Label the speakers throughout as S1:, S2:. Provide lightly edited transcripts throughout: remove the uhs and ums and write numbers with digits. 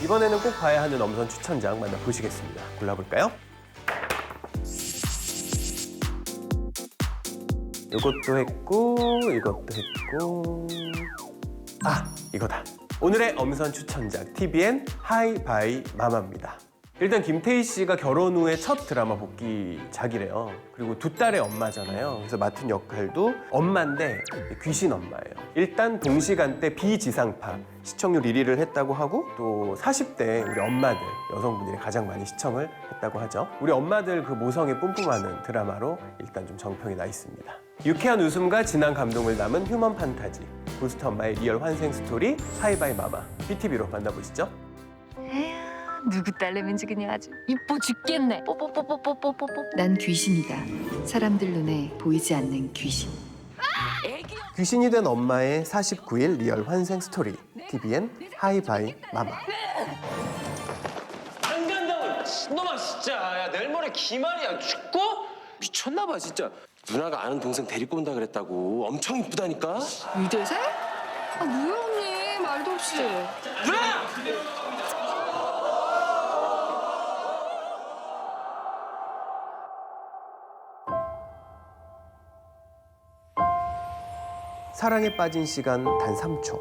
S1: 이번에는 꼭 봐야 하는 엄선 추천작 만나보시겠습니다. 골라볼까요? 이것도 했고 이것도 했고 이거다. 오늘의 엄선 추천작 TVN 하이 바이 마마입니다. 일단 김태희 씨가 결혼 후에 첫 드라마 복귀작이래요. 그리고 두 딸의 엄마잖아요. 그래서 맡은 역할도 엄마인데 귀신 엄마예요. 일단 동시간대 비지상파 시청률 1위를 했다고 하고 또 40대 우리 엄마들, 여성분들이 가장 많이 시청을 했다고 하죠. 우리 엄마들 그 모성에 뿜뿜하는 드라마로 일단 좀 정평이 나 있습니다. 유쾌한 웃음과 진한 감동을 담은 휴먼 판타지 고스트 엄마의 리얼 환생 스토리 하이바이 마마 BTV로 만나보시죠.
S2: 누구 딸내미인지 그냥 아주 이뻐 죽겠네. 뽀뽀뽀뽀뽀뽀뽀뽀.
S3: 난 귀신이다. 사람들 눈에 보이지 않는 귀신.
S1: 귀신이 된 엄마의 49일 리얼 환생 스토리 TVN 하이바이 마마.
S4: 안 간다고 놈아 진짜. 야 내일 모레 기말이야. 죽고? 미쳤나 봐 진짜. 누나가 아는 동생 데리고 온다 그랬다고. 엄청 이쁘다니까.
S2: 유대세? 뭐야 언니 말도 없이.
S4: 누나!
S1: 사랑에 빠진 시간 단 3초.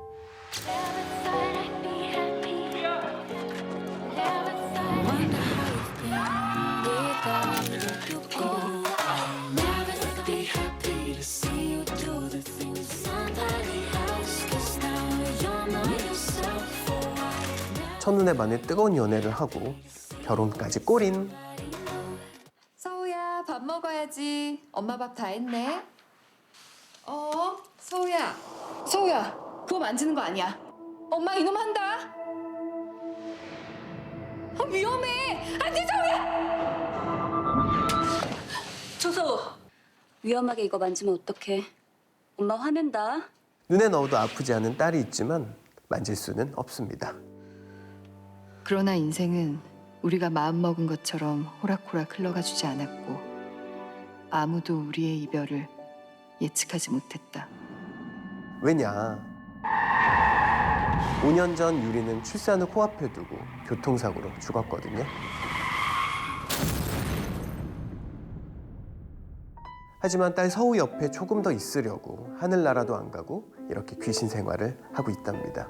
S1: 첫눈에 반해 뜨거운 연애를 하고 결혼까지 꼬린.
S3: 서우야, 밥 먹어야지. 엄마 밥 다 했네. 서우야. 서우야, 그거 만지는 거 아니야. 엄마 이놈 한다. 위험해. 안 돼, 서우야.
S5: 초소! 위험하게 이거 만지면 어떡해. 엄마 화낸다.
S1: 눈에 넣어도 아프지 않은 딸이 있지만 만질 수는 없습니다.
S3: 그러나 인생은 우리가 마음먹은 것처럼 호락호락 흘러가주지 않았고 아무도 우리의 이별을 예측하지 못했다.
S1: 왜냐? 5년 전 유리는 출산을 코앞에 두고 교통사고로 죽었거든요. 하지만 딸 서우 옆에 조금 더 있으려고 하늘나라도 안 가고 이렇게 귀신 생활을 하고 있답니다.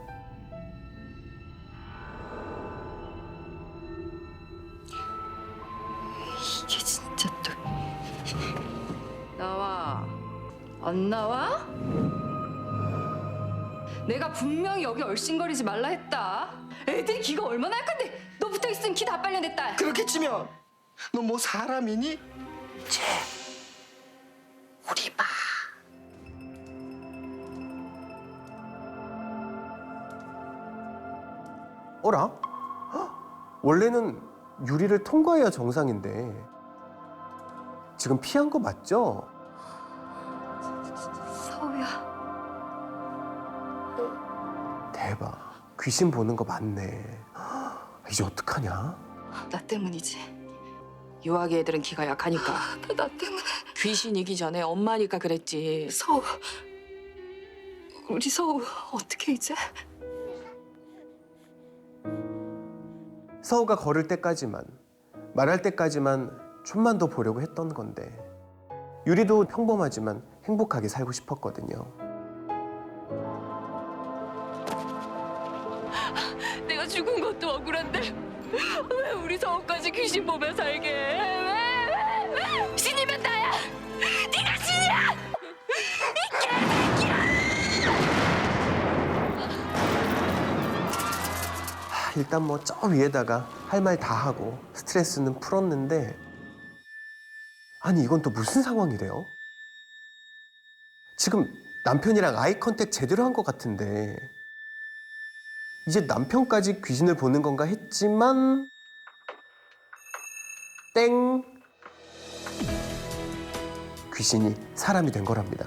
S3: 이게 진짜 또 나와. 안 나와? 내가 분명히 여기 얼씬거리지 말라 했다. 애들이 기가 얼마나 약한데 너 붙어있으면 기 다 빨려냈다.
S6: 그렇게 치면 너 뭐 사람이니? 우리 봐.
S1: 어라? 헉, 원래는 유리를 통과해야 정상인데 지금 피한 거 맞죠?
S3: 서우야.
S1: 대박. 귀신 보는 거 맞네. 헉, 이제 어떡하냐?
S3: 나 때문이지.
S7: 유아기 애들은 기가 약하니까.
S3: 나 때문에.
S7: 귀신이기 전에 엄마니까 그랬지.
S3: 서우. 우리 서우 어떻게 이제?
S1: 서우가 걸을 때까지만, 말할 때까지만 좀만 더 보려고 했던 건데 유리도 평범하지만 행복하게 살고 싶었거든요.
S2: 내가 죽은 것도 억울한데 왜 우리 서우까지 귀신 보며 살게 해? 왜? 신이면 나야. 네가 신이야.
S1: 일단 뭐 저 위에다가 할 말 다 하고 스트레스는 풀었는데 아니 이건 또 무슨 상황이래요? 지금 남편이랑 아이 컨택 제대로 한 것 같은데 이제 남편까지 귀신을 보는 건가 했지만 땡! 귀신이 사람이 된 거랍니다.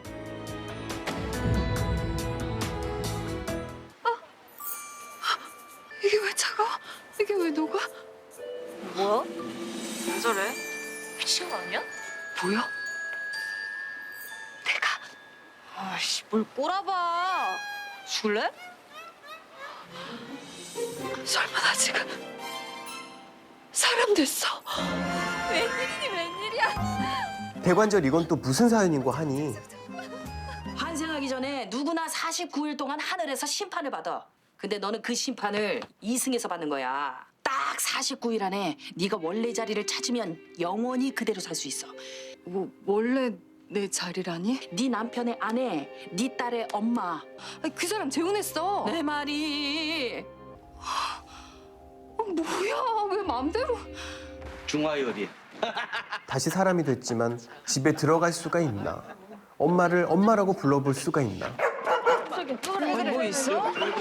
S3: 이게 왜 차가워? 이게 왜 녹아?
S2: 뭐야? 왜 저래? 미친 거 아니야?
S3: 보여?
S2: 아씨 뭘 꼬라봐. 줄래? 설마 나 지금 사람 됐어? 웬일이니 웬일이야?
S1: 대관절 이건 또 무슨 사연인고 하니
S7: 환생하기 전에 누구나 49일 동안 하늘에서 심판을 받아. 근데 너는 그 심판을 이승에서 받는 거야. 딱 49일 안에 네가 원래 자리를 찾으면 영원히 그대로 살 수 있어.
S3: 원래 내 자리라니?
S7: 네 남편의 아내, 네 딸의 엄마.
S3: 아니, 그 사람 재혼했어.
S7: 내 말이
S3: 뭐야? 왜 맘대로?
S6: 중화요리.
S1: 다시 사람이 됐지만 집에 들어갈 수가 있나? 엄마를 엄마라고 불러볼 수가 있나?
S7: 뭐 있어?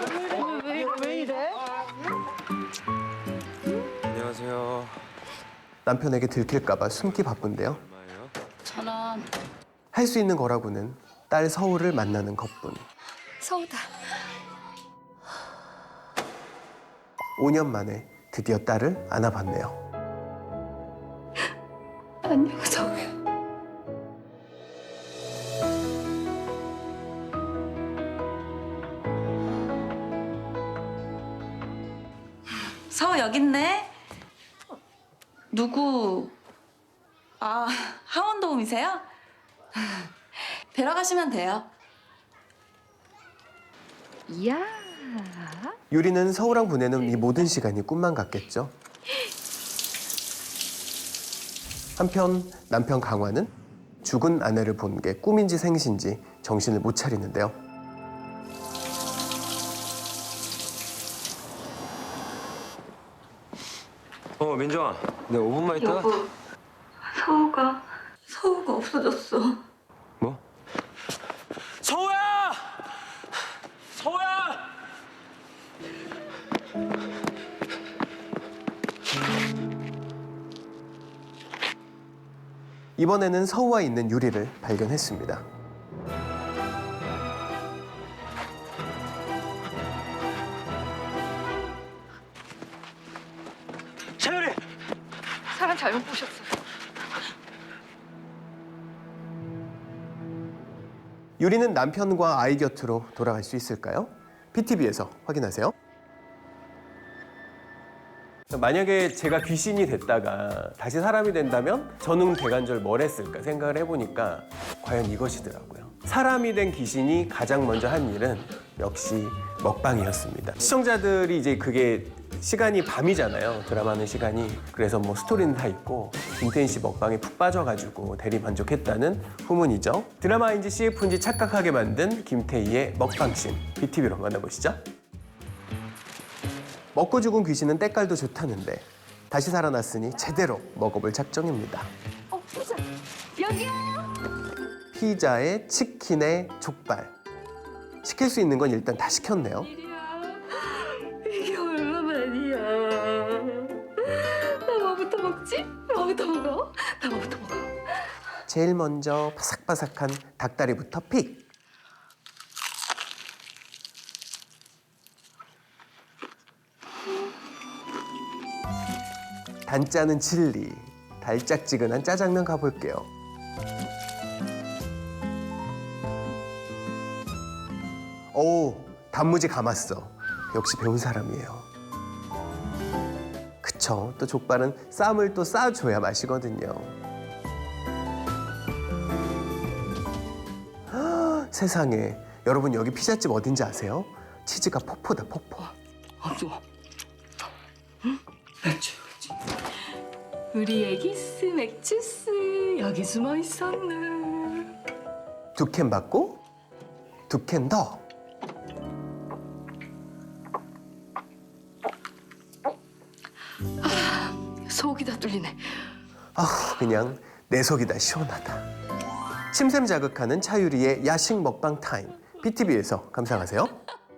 S4: 안녕하세요.
S1: 남편에게 들킬까봐 숨기 바쁜데요.
S4: 얼마예요?
S5: 1,000원.
S1: 할 수 있는 거라고는 딸 서울을 만나는 것뿐.
S3: 서우다.
S1: 5년 만에 드디어 딸을 안아봤네요.
S3: 안녕 서우야.
S8: 서우 여기 있네. 누구? 아, 하원도우미세요? 뵈러 가시면 돼요.
S3: 이야.
S1: 유리는 서우랑 보내는 이 모든 시간이 꿈만 같겠죠. 한편 남편 강화는 죽은 아내를 본 게 꿈인지 생신지 정신을 못 차리는데요.
S4: 민정아, 내가 5분만 있다가.
S8: 서우가 없어졌어.
S4: 뭐? 서우야! 서우야!
S1: 이번에는 서우와 있는 유리를 발견했습니다.
S4: 차유리!
S2: 사람 잘못 보셨어.
S1: 유리는 남편과 아이 곁으로 돌아갈 수 있을까요? PTV에서 확인하세요. 만약에 제가 귀신이 됐다가 다시 사람이 된다면 저는 대관절 뭘 했을까 생각을 해보니까 과연 이것이더라고요. 사람이 된 귀신이 가장 먼저 한 일은 역시 먹방이었습니다. 시청자들이 이제 그게 시간이 밤이잖아요. 드라마 하는 시간이. 그래서 뭐 스토리는 다 있고 김태인 씨 먹방에 푹 빠져가지고 대리만족했다는 후문이죠. 드라마인지 CF인지 착각하게 만든 김태희의 먹방씬 BTV로 만나보시죠. 먹고 죽은 귀신은 때깔도 좋다는데 다시 살아났으니 제대로 먹어볼 작정입니다.
S3: 피자. 여기야.
S1: 피자에 치킨에 족발. 시킬 수 있는 건 일단 다 시켰네요.
S3: 이게 얼마만이야. 나 뭐부터 먹지? 뭐부터 먹어? 나 뭐부터 먹어?
S1: 제일 먼저 바삭바삭한 닭다리부터 픽. 단짜는 칠리, 달짝지근한 짜장면 가볼게요. 오, 단무지 감았어. 역시 배운 사람이에요. 그쵸, 또 족발은 쌈을 또 싸줘야 맛이거든요. 헉, 세상에, 여러분 여기 피자집 어딘지 아세요? 치즈가 폭포다, 폭포.
S3: 우리 애기스 맥주스 여기 숨어 있었네.
S1: 2캔 받고 2캔 더.
S3: 속이 다 뚫리네.
S1: 아, 그냥 내 속이 다 시원하다. 침샘 자극하는 차유리의 야식 먹방 타임. BTV에서 감상하세요.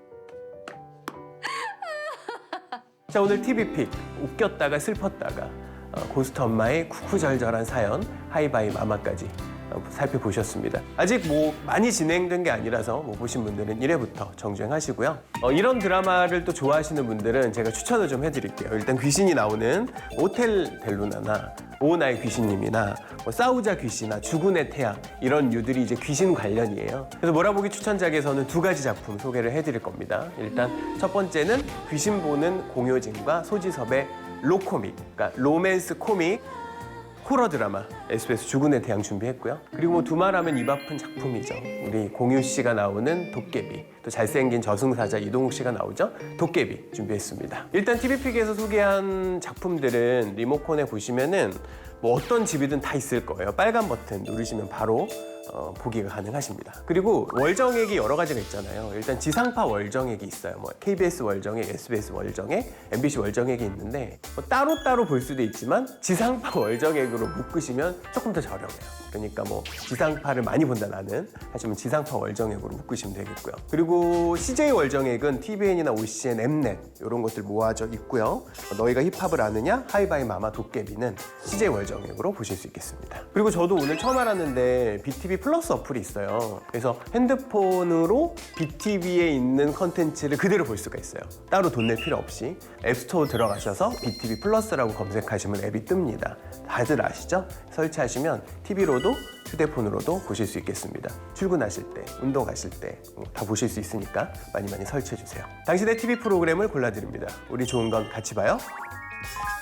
S1: 자, 오늘 TV픽 웃겼다가 슬펐다가 고스트 엄마의 쿠쿠절절한 사연 하이바이 마마까지 살펴보셨습니다. 아직 뭐 많이 진행된 게 아니라서 뭐 보신 분들은 1회부터 정주행하시고요. 이런 드라마를 또 좋아하시는 분들은 제가 추천을 좀 해드릴게요. 일단 귀신이 나오는 오텔 델루나나 오나의 귀신님이나 뭐 싸우자 귀신아 주군의 태양 이런 류들이 이제 귀신 관련이에요. 그래서 몰아보기 추천작에서는 2가지 작품 소개를 해드릴 겁니다. 일단 첫 번째는 귀신 보는 공효진과 소지섭의 로코믹, 그러니까 로맨스 코믹 호러 드라마 SBS 주군의 태양 준비했고요. 그리고 뭐 두말하면 입 아픈 작품이죠. 우리 공유 씨가 나오는 도깨비, 또 잘생긴 저승사자 이동욱 씨가 나오죠. 도깨비 준비했습니다. 일단 TV픽에서 소개한 작품들은 리모컨에 보시면은 뭐 어떤 집이든 다 있을 거예요. 빨간 버튼 누르시면 바로 보기가 가능하십니다. 그리고 월정액이 여러 가지가 있잖아요. 일단 지상파 월정액이 있어요. 뭐 KBS 월정액, SBS 월정액, MBC 월정액이 있는데 뭐 따로따로 볼 수도 있지만 지상파 월정액으로 묶으시면 조금 더 저렴해요. 그러니까 뭐 지상파를 많이 본다 나는 하시면 지상파 월정액으로 묶으시면 되겠고요. 그리고 CJ 월정액은 TVN이나 OCN, 엠넷 이런 것들 모아져 있고요. 너희가 힙합을 아느냐, 하이바이 마마 도깨비는 CJ 월정액으로 보실 수 있겠습니다. 그리고 저도 오늘 처음 알았는데 BTV 플러스 어플이 있어요. 그래서 핸드폰으로 BTV에 있는 컨텐츠를 그대로 볼 수가 있어요. 따로 돈 낼 필요 없이 앱스토어 들어가셔서 BTV 플러스라고 검색하시면 앱이 뜹니다. 다들 아시죠? 설치하시면 TV로도 휴대폰으로도 보실 수 있겠습니다. 출근하실 때, 운동하실 때 다 보실 수 있으니까 많이 설치해주세요. 당신의 TV 프로그램을 골라드립니다. 우리 좋은 건 같이 봐요.